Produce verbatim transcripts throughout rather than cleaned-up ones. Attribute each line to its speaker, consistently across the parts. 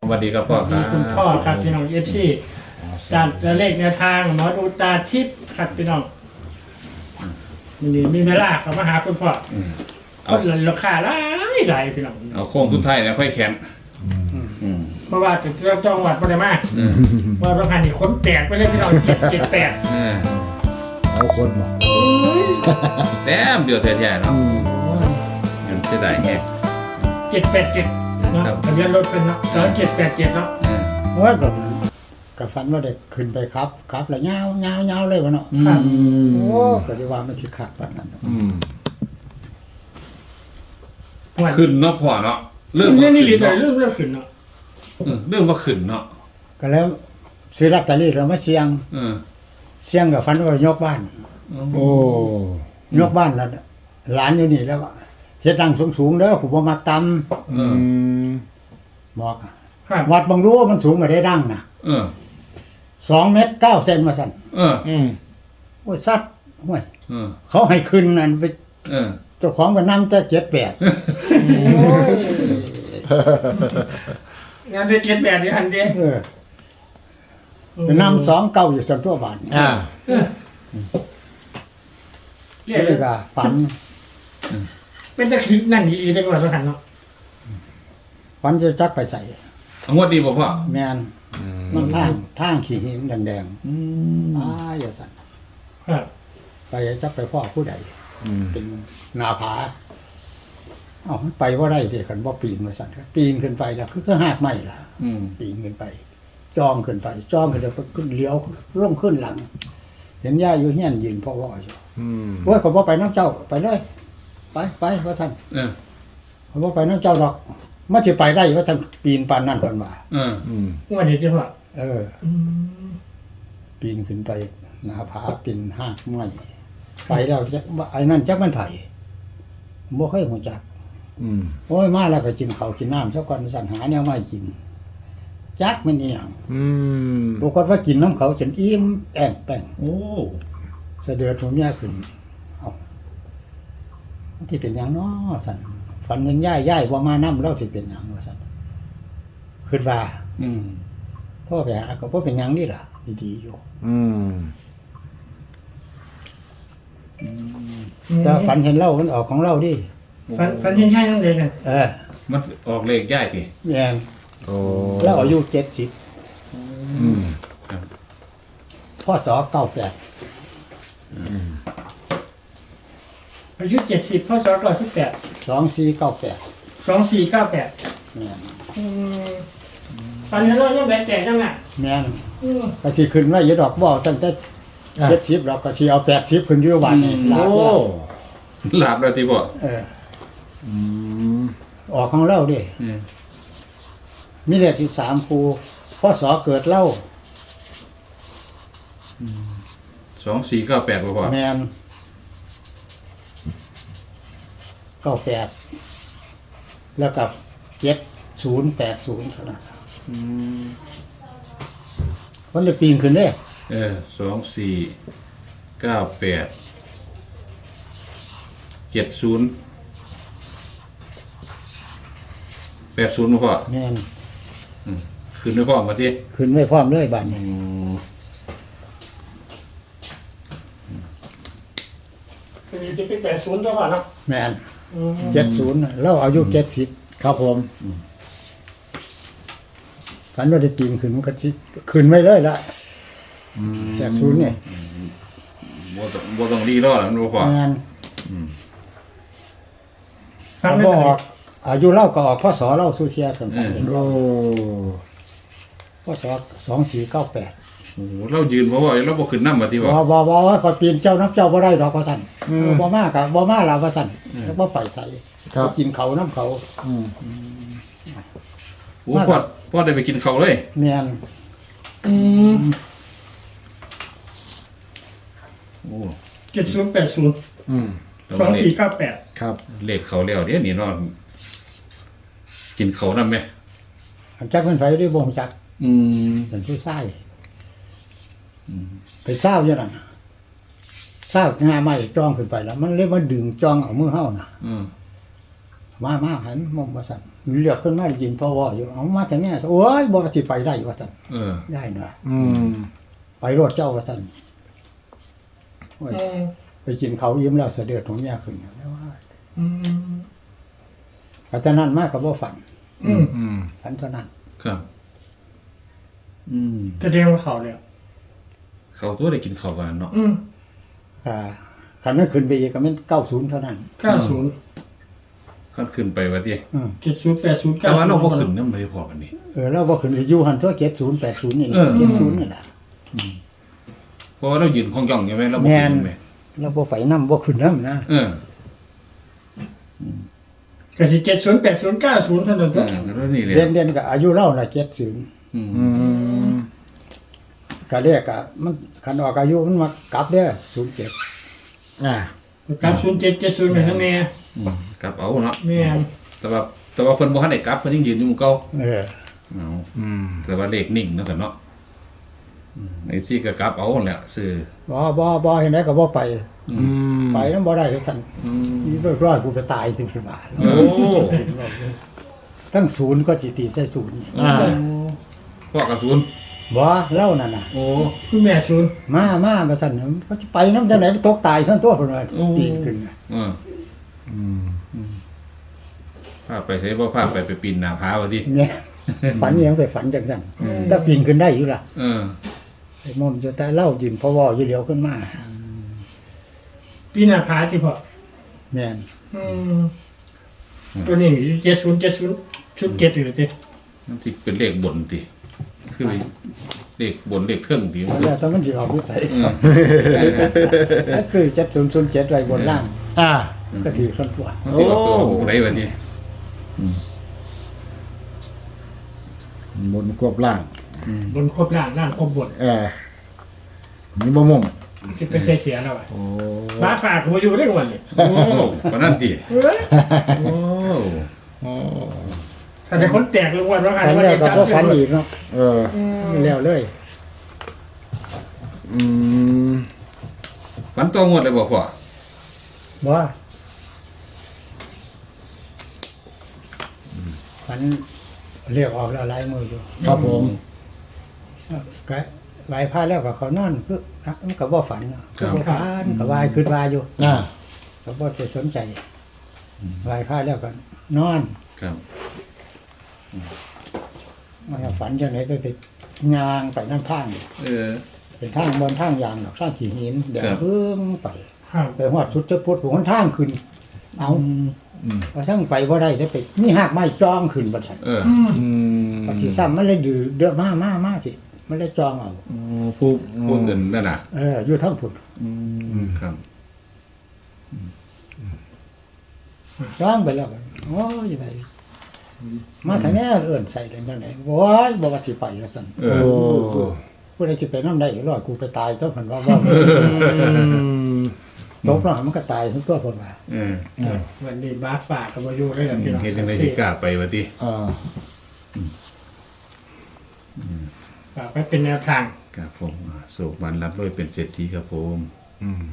Speaker 1: วัสดีครับพ่อครับ
Speaker 2: คุณพ่อครับพี่น้องเอฟซีจัดเลขแนวทางหมอดูตาทิพย์ครับพี่น้องนี่มีเวลาเขามาหาคุณพ่อ
Speaker 1: อืม
Speaker 2: ค
Speaker 1: เอา
Speaker 2: นราคาหลายหลายพี่น้อง
Speaker 1: เอาโค้งสุดท้ายแล้วค่อยแขนอืม
Speaker 2: เพราะว่าจะเจ้าจังหวัดปริมา
Speaker 1: อืม
Speaker 2: ว่าประพันธ์นี่คนแตกไปเลยพี่น้องเจ็ดเจ็ดแปด
Speaker 1: เออ
Speaker 3: เอาคนมา
Speaker 1: แต้มเดียวแท้ๆเนาะมันเสียดายแฮะ
Speaker 2: เจ็ดแปดเจ็ดเนาะ
Speaker 1: ครับ
Speaker 2: ทะเบียนรถเป็นเนาะสองเจ็ดแปดเจ็ดเนาะ
Speaker 1: เออ
Speaker 3: ว่ากับกับฝันว่าเด็กขึ้นไปครับครับแล้วยาวยาวยาวเลยวะเนาะ
Speaker 2: ครับ
Speaker 3: โอ้ก็ดีว่ามันสิขาดปันนั้น
Speaker 4: อืม
Speaker 2: วัน
Speaker 1: ขึ้นเนาะพ่อเนาะเริ่ม
Speaker 2: เรื่
Speaker 1: ว่า
Speaker 2: องนี้
Speaker 1: ขึ้
Speaker 2: รี
Speaker 1: น
Speaker 2: บเลย
Speaker 1: เนาะ
Speaker 2: เรื่องเรื่องขึ้นเนาะ
Speaker 1: เออเริ่มว่าขึ้นเนาะ
Speaker 3: ก็แล้วซื้อลอตเตอรี่เรามาเสียง
Speaker 1: เออ
Speaker 3: เสียงกับฝันว่ายกบ้าน
Speaker 4: โอ้
Speaker 3: ยกบ้านแล้วหลานอยู่นี่แล้วเฮ็ดดังสูงๆเด้อผมบ่มาต
Speaker 1: เอ
Speaker 4: อื
Speaker 1: อ
Speaker 4: ม
Speaker 3: ำบอก
Speaker 2: ครับ
Speaker 3: วัดบางรู้ว่ามันสูงกว่าได้ดังนะ
Speaker 1: เออ
Speaker 3: สองเมตรเก้าเซนมาสั่น
Speaker 1: เออ
Speaker 4: อืม
Speaker 3: โอ้ยสัตว์ห้วย
Speaker 1: เออ
Speaker 3: เขาให้ขึ้นนั่นไป
Speaker 1: เออ
Speaker 3: เจ้าของก็นำแต่เจ็ดแปด
Speaker 2: งานได้เจ็ดแปดนี่อันเดียว
Speaker 3: เออไปนำสองเก้าอยู่สันตัวบาน
Speaker 4: อ่า
Speaker 2: เออเรีย
Speaker 3: ก็
Speaker 2: ก
Speaker 3: เลยก็ฝัน
Speaker 2: เป็นตะคิดนั่นอีได้กว่าประพันธ์เนาะ
Speaker 3: ฝันจะจักไปใส่
Speaker 1: เอางวดดีบ่พ่อ
Speaker 3: แมนมันทางทางขี้หินแดงๆอ้าอย่าสั่น
Speaker 2: ครับ
Speaker 3: ไปจักไปพ่อผู้ใด
Speaker 4: อืม
Speaker 3: เป็นหนาผาเอ้ามันไปว่าได้เด็กกันว่าปีนมาสั่นปีนขึ้นไปแล้วคือคือหากไม่ล่ะ
Speaker 1: อืม
Speaker 3: ปีนขึ้นไปจ้องขึ้นไปจ้องขึ้นไปขึ้นเลี้ยวลงขึ้นหลัง เห็นย่าอยู่เฮียนยืนพ่อว่าอยู่
Speaker 4: อืม
Speaker 3: โอ้ยขอบ่ไปน้ำเจ้าไปเลย ไปไปว่าสั่น
Speaker 1: เออ
Speaker 3: ขอบ่ไปน้ำเจ้าดอกมาสิไปได้ว่าสั่นปีนปานนั่นเพิ่นว่า
Speaker 1: เออ
Speaker 4: อืม
Speaker 2: งวดนี้ใช่ป่ะ
Speaker 3: เออ
Speaker 2: อืม
Speaker 3: ปีนขึ้นไปหน้าผาปีนหากไม้ไปแล้วจักว่าไอ้นั่นจักมันไผบ่เคยฮู้จัก
Speaker 4: อืม
Speaker 3: โอ้ยมาแล้วก็กินข้าวกินน้ำซะก่อนสั่นหาแนวมาให้กิน จักมันอีหยัง
Speaker 4: อืม
Speaker 3: ปรากฏว่ากินน้ำเขาจนอิ่มแอ่งแป้ง
Speaker 1: โอ้
Speaker 3: เสะเดือดผมย่าขึ้นเอาที่เป็นหยังน้อสั่นฝันเห็นย่ายย่ายว่ามาน้ำเล่าที่เป็นหยังว่าสั่นคิดว่า
Speaker 1: อืม
Speaker 3: โทษไปหาก็บ่เป็นหยังนี่ล่ะดีๆอยู่
Speaker 4: อืม
Speaker 3: แต่ฝันเห็นเล่ามันออกของเล่าดิ
Speaker 2: ฟันฟันเห็นใช่นั่นเลยนะ
Speaker 3: เออ
Speaker 1: มันออกเลขย่ายสิ
Speaker 3: แม่น
Speaker 4: โอ้
Speaker 3: แล้วอายุเจ็ดสิบ
Speaker 4: อืม
Speaker 1: ครับ
Speaker 3: พ่อสอเก้าแปด
Speaker 2: อายุเจ็ดสิบพศเก้าสิบแปด
Speaker 3: สองสี่เก้าแปด
Speaker 2: สองสี่เก้าแปด
Speaker 3: แม่น
Speaker 2: ตอนนี้เรายังแบกแตกจังอ่ะ
Speaker 3: แม่น
Speaker 2: อืม
Speaker 3: ก็ที่ขึ้นว่าอย่าดอกบ่ตั้งแต่เจ็ดสิบเราก็ที่เอาแปดสิบขึ้นอยู่วันนี้ลา
Speaker 4: โอ้
Speaker 3: บแล้ว
Speaker 1: หลับแล้วที่บ่
Speaker 3: เออ
Speaker 4: อืม
Speaker 3: ออกของเล่าดิ
Speaker 1: อืม
Speaker 3: มีเลขที่สามครูพ่อสอเกิดเล่า
Speaker 1: สองสี่เก้าแปดบ่พ่อ
Speaker 3: แมนเก้าแปดแล้วกับเจ็ดศูนย์แปดศูนย์เท่านั้น
Speaker 4: อืม
Speaker 3: มันเลยปีนขึ้นเด้
Speaker 1: เออสองสี่เก้าแปดเจ็ดศูนย์แปดศูนย์บ่พ่อ
Speaker 3: แมน
Speaker 1: อืมขึ้นด้วยพ่อมาที่
Speaker 3: ขึ้นไม่พร้อมเลยบัดนี้
Speaker 2: เป็นสิบเป็นแปดศูนย์ตัวก่อนเนาะ
Speaker 3: แมน
Speaker 2: อืม
Speaker 3: เจ็ดศูนย์เราอายุเจ็ดสิบ
Speaker 4: ครับผม
Speaker 3: ฝันว่าได้ปีนขึ้นมันก็ที่ขึ้นไม่เลยละแปดศูนย์เนี่ย
Speaker 1: บ่ต้องบ่ต้องรีรอแล้วมันบ่พ่อ
Speaker 3: แมน
Speaker 2: ฟั
Speaker 3: เขา
Speaker 2: งไม่
Speaker 3: บอ
Speaker 2: ได้
Speaker 3: กอายุเล่าก็ออกพ่อสอเล่าสุเทียกัน
Speaker 4: โอ้
Speaker 3: พ่อสอสองสี่เก้าแปด
Speaker 1: โอ้โหเรายืนบ่ว่าเราบ่ขึ้นนำมาที่
Speaker 3: บ
Speaker 1: บ่
Speaker 3: อบอบอว่าขอปีนเจ้าน้ำเจ้าบ่ได้ดอกว่าสั่นบ่มากะบ่มาลาว่าสั่นแล้วบ่ไปใส่
Speaker 4: ครับ
Speaker 3: ไปกินเขาน้ำเขา
Speaker 4: อืม
Speaker 1: โอ้พ่อพ่อได้ไปกินข้าวเลย
Speaker 3: แม่น
Speaker 2: อืม
Speaker 1: โอ้
Speaker 2: เจ็ดศูนย์แปดศูนย์
Speaker 4: อืม
Speaker 2: สองสี่เก้าแปด
Speaker 4: ครับ
Speaker 1: เลขเขาแล้วเดี๋ยวนี้เนาะกินข้าวนำแม่
Speaker 3: จักมันไปด้วยบ่งจัก
Speaker 1: อืม
Speaker 3: เป็นผู้ชายไปเศร้าอย่างนั้นน่ะเศร้างาไม้จ้องขึ้นไปแล้ว มันเลยมาดึงจ้องเอามือเฮาน่ะ
Speaker 1: อืม
Speaker 3: เมามาหันมองว่าสั่นเลือกขึ้นมาได้ยินพ่อว่าอยู่เอามาแต่แม่โอ้ยบ่ว่าสิไปได้ว่าสั่น
Speaker 1: เออ
Speaker 3: ได้หน่อย
Speaker 4: อืม
Speaker 3: ไปรถเจ้าว่าสั่นโอ้ย
Speaker 2: อืม
Speaker 3: ไปกินเขาวยิ้มแล้วเสด็จของแม่ขึ้นแล้วว่า
Speaker 2: อืม
Speaker 3: อาจารย์นั้นมากก็บ่ฝัน
Speaker 2: อืม
Speaker 4: อืม
Speaker 3: ฝันเท่านั้น
Speaker 1: ครับ
Speaker 3: อืม
Speaker 2: จะเรียกว่าเขาเลย
Speaker 1: เขาตัวได้กินข้าวกันเนาะ
Speaker 2: อืม
Speaker 3: อ่าคันนั้นขึ้นไปอีกก็แม่นเก้าศูนย์เท่านั้น
Speaker 2: เก้าศูนย์
Speaker 1: ขั้นขึ้นไปว่าติ
Speaker 3: อืม
Speaker 2: เจ็ดศูนย์แปดศูนย์
Speaker 1: แต่
Speaker 2: เก้า
Speaker 1: ว่า
Speaker 2: ศูน
Speaker 1: เรา
Speaker 2: ย์
Speaker 1: บ่ขึ้นนำบ่ได้พอกันนี่
Speaker 3: เออเราบ่ขึ้นไปอยู่หันตัวเจ็ดศูนย์แปดศูนย์นี่แหละ
Speaker 1: เออ
Speaker 3: เจ็ดศูนย์นี่แหละ
Speaker 1: เพราะว่าเรายืนของย่องใช่ไหมเราบ่
Speaker 3: แม่
Speaker 1: ขึ้
Speaker 3: น
Speaker 1: นไหม
Speaker 3: เราบ่ไปนำบ่ขึ้นนำนะ
Speaker 1: เออ
Speaker 2: ก็สิเจ็ดศูนย์แปดศูนย์เก้าศูนย์เท่านั้น
Speaker 1: เอ
Speaker 2: ก็
Speaker 1: อแล้วนี่เลย
Speaker 3: เรียนเรียนก็อายุเราน่ะเจ็ดศูนย์
Speaker 1: อืม
Speaker 4: อืม
Speaker 3: ก็เรียกอะมันคันออกอายุมันมากลับเด้อศูนย์เจ็ด
Speaker 4: อ่า
Speaker 2: กับศูนย์เจ็ดเจ็ดศูนย์ไปข้างใน
Speaker 1: อืมกลับเอาเนาะ
Speaker 2: แม่น
Speaker 1: แต่ว่าแต่ว่าเพิ่นบ่ทันได้กลับเพิ่นยังยืนอยู่หมู่เก่า
Speaker 3: เออ
Speaker 1: เอา
Speaker 4: อืม
Speaker 1: แต่ว่าเลขนิ่งเนาะซั่นเนาะไอ้ที่ก็กลับเอาแหละซื้อ
Speaker 3: บ่บ่บ่เห็นได้ก็บ่ไป
Speaker 4: อืม
Speaker 3: ไปนำบ่ได้ก็สั่น
Speaker 1: อืม
Speaker 3: นี่เรียบร้อยกูไปตายถึงสิบาท
Speaker 1: โอ้
Speaker 3: ทั้งศูนย์ก็สิตีใส่ศูนย์
Speaker 4: อ่า
Speaker 1: พ่อกระสุน
Speaker 3: บ่เล่านั่นน่ะ
Speaker 1: โอ้
Speaker 2: คุณแม่ศูนย์
Speaker 3: มามามาสั่นเขาจะไปนำจังได๋ตกตายทั้งตัวเพิ่นว่าปีนขึ้นน่ะ
Speaker 1: เออ
Speaker 4: อืม
Speaker 1: พาไปไสบ่พาไปไปปีนหน้าผาว่าติ
Speaker 3: เนี่ยฝันอิหยังไปฝันจังซั่นถ้าปีนขึ้นได้อยู่ล่ะ
Speaker 1: เออ
Speaker 3: ไอ้มอมจะแต่เล่ายินเพราะว่าอยู่เหลียวขึ้นมา
Speaker 2: ปีหน้าผาที่พอ
Speaker 3: แม่น
Speaker 2: อืมตัวนี้เจ็ดศูนย์เจ็ดศูนย์ชุดเจ็ดอยู่ติ
Speaker 1: มันสิเป็นเลขบนติคือเลขบนเลขเทิงติมัน
Speaker 3: แล้วแต่มันสิออกวิสัย
Speaker 1: เออ
Speaker 3: ถ้าซื้อเจ็ดศูนย์ศูนย์เจ็ดไว้บนล่าง
Speaker 4: อ่า
Speaker 3: ก็ถือคนตัว
Speaker 1: มันสิออกตัวของไหนว่าติ
Speaker 4: บนควบล่าง
Speaker 2: บนครบล่างล่างครบบน
Speaker 4: เออนี่บ่มุ่ง
Speaker 2: ที่ไปเสียเสียแล้วอ่ะ
Speaker 4: โอ้
Speaker 2: บาสฝากผมอยู่ได้วันนี้
Speaker 1: โอ้ปานนั้นติ
Speaker 2: เอ้ย
Speaker 1: โอ้
Speaker 4: โอ้
Speaker 2: ถ้าแต่คนแตกลงวันว่ากัน
Speaker 3: ฝัน
Speaker 2: ว่า
Speaker 3: แล้ว
Speaker 2: จะ
Speaker 3: ก็
Speaker 2: จำ
Speaker 3: บ่ฝัน
Speaker 2: ได้
Speaker 3: อีกเนาะ
Speaker 4: เออ
Speaker 3: แล้วเลย
Speaker 4: อืม
Speaker 1: ฝันตัวงวดเลยบ่พ่อ
Speaker 3: บ่ฝันเรียกออกแล้วหลายมืออยู่
Speaker 4: ครับผม
Speaker 3: ก็ไหวพาแล้วก็เขานอนคืออ่ะมันก็บ่ฝันเนาะก็บ่ฝันก็วายคิดว่าอยู่
Speaker 4: อ่า
Speaker 3: ก็บ่ไปสนใจไหวพาแล้วก็นอน
Speaker 1: ครับ
Speaker 3: มันก็ฝันจังไดไปไปย่างไปน้ำทาง
Speaker 1: เออ
Speaker 3: เป็นทางบนทางยางดอกทางขี้หินเดี๋ยว
Speaker 1: ครับ
Speaker 3: เพิ่งไป
Speaker 2: ครับ
Speaker 3: ไปฮอดสุดจะพุทธผมทางขึ้น เอา
Speaker 4: อืม
Speaker 3: ว่าทั้งไปบ่ได้ได้ไปมีหากไม้จองขึ้นบัดซั่น
Speaker 1: เออ
Speaker 2: อืม
Speaker 4: อืม
Speaker 3: ปฏิซ้ำมันเลยดื้อเดือมามามาสิมันเลยจองเอา
Speaker 4: โอ้ผู้
Speaker 1: พูดเงินนั่นน่ะ
Speaker 3: เอออยู่ทั้งพุ่น
Speaker 4: อืม
Speaker 1: ครับ
Speaker 3: จองไปแล้วก็โอ้ยไปมาทางนี้เอิ้นใส่ได้จังได๋โอ้ยบ่ว่าสิไปว่าซั่น
Speaker 1: เอ
Speaker 4: โอ้
Speaker 1: อ
Speaker 3: ผู้ใดสิไปนำได้รอดกูไปตายตัวเพิ่นว่าว่า
Speaker 4: อืม
Speaker 3: ตกแล้วมันก็ตายทั้งตัวเพิ่นว่า
Speaker 1: เออ
Speaker 4: อ่า
Speaker 2: วันนี้บาสฝากกับมาอยู่ได้แบบพี่น้อง
Speaker 1: เฮ็ดจังได๋สิกล้าไปว่าติ
Speaker 4: อ่า
Speaker 2: ฝากไว้เป็นแนวทาง
Speaker 1: ครับผมอ่าสุขมันรับรวยเป็นเศรษฐีครับผม
Speaker 4: อืม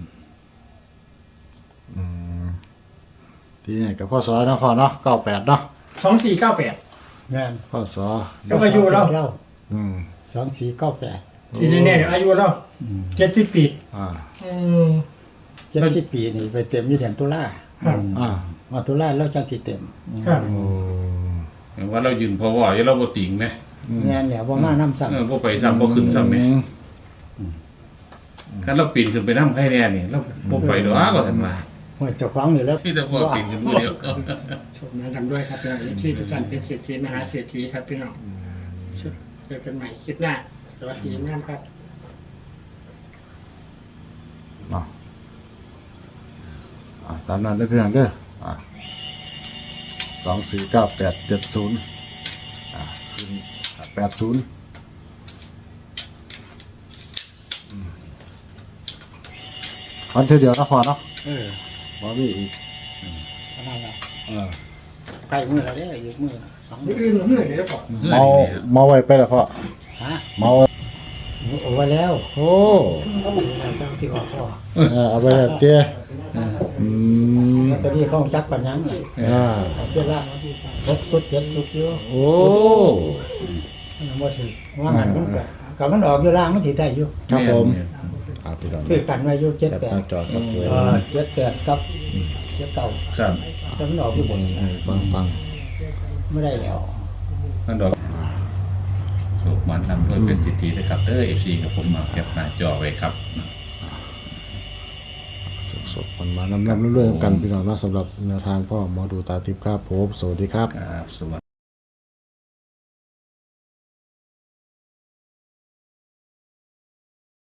Speaker 4: อืมที่นี่กับพ่อสอเนาะพ่อเนาะเก้าแปดเนาะ
Speaker 2: สองสี่เก้าแปด
Speaker 3: แม่น
Speaker 4: พ่อสอ
Speaker 2: ก็มาอยู่แล้ว
Speaker 3: เรา
Speaker 4: อืม
Speaker 3: สองสี่เก้าแปด
Speaker 2: ทีนี้เนี่ยอายุเราเจ็ดสิบปี
Speaker 4: อ่า
Speaker 2: อืม
Speaker 3: เจ็ดสิบปีนี่ไปเต็มอยู่เดือนตุลา
Speaker 2: ครับ
Speaker 4: อ่า
Speaker 3: มาตุลาแล้วจังสิเต็ม
Speaker 2: ครับ
Speaker 4: โอ้
Speaker 1: แต่ว่าเรายืนพอว่าอย่าเราบ่ติงนะ
Speaker 3: แม่นแล้วบ่มานํซ้ํ
Speaker 1: เออบ่ไปซ้ำบ่ขึ้นซ้ำแหม่คันเราปีนขึ้นไปนำใครแน่นี่เราบ่ไปดอกว่าซั่นว่า
Speaker 3: โอ้ยเจ้าของนี่แหล้ว
Speaker 1: มีแต่พอปีนขึ้นผู้เดียว
Speaker 2: ชมนะกันด้วยครับพี่น้องที่ทุกท่านเป็นเศรษฐีมหาเศรษฐีครับพี่น้องเจอกันใหม่คลิปหน้าสวัสดีงามครับ
Speaker 4: เนาะอ่าตามนั้นได้อพี่น้องเด้ออ่าสองสี่เก้าแปดเจ็ดศูนย์อ่าแปดศูนย์วันเท่าเดียวนะพอเนาะ
Speaker 3: เออ
Speaker 4: บ่มีอีก
Speaker 3: ประมาณนั้น
Speaker 4: เออ
Speaker 3: ใกล้มื้อแล้วเด้ออีกมื้อสองมื้
Speaker 2: นี่
Speaker 3: อ
Speaker 2: อื่นเหนื่อยเลยก่อน
Speaker 4: เมาเมาไว้ไปแล้วพ่อ
Speaker 3: ฮะ
Speaker 4: เมา
Speaker 3: เอาไว้แล้ว
Speaker 4: โอ้
Speaker 3: ก็บ่ได้เจ้าที่ออกพ่อ
Speaker 4: เออเอาไปแล้วเตี้ยอืม
Speaker 3: ลอตเตอรี่เขาจักปัญญังเลย
Speaker 4: อ่า
Speaker 3: เอาเจ้าละหกสุดเจ็ดสุดอยู่
Speaker 4: โอ้
Speaker 3: มันบ่ถือว่างันมันก็กับมันออกอยู่ล่างมันถือได้อยู่
Speaker 4: ครับผม
Speaker 1: เนี่ย
Speaker 4: อ่าพี่น้อง
Speaker 3: ซื้อกันไว้อยู่เจ็ด
Speaker 4: จับ
Speaker 3: แป
Speaker 4: ห
Speaker 3: ด
Speaker 4: น้าจอครับผม
Speaker 3: เออเจ็ดแปดกับเจ็ดเก้า
Speaker 1: ครับ
Speaker 3: แต่มันออกอยู่บน
Speaker 4: เออฟังฟัง
Speaker 3: ไม่ได้แล้ว
Speaker 1: นั่นดอกสุกมันนำเพื่อเป็นสิทธินะครับเออเอฟซีกับผมมาแคปหน้าจอไว้ครับ
Speaker 4: สดๆมันมานำๆเรื่อยๆกันพี่น้องเนาะสำหรับแนวทางพ่อหมอดูตาทิพย์ครับผมสวัสดีครับ
Speaker 1: ครับสวัสดี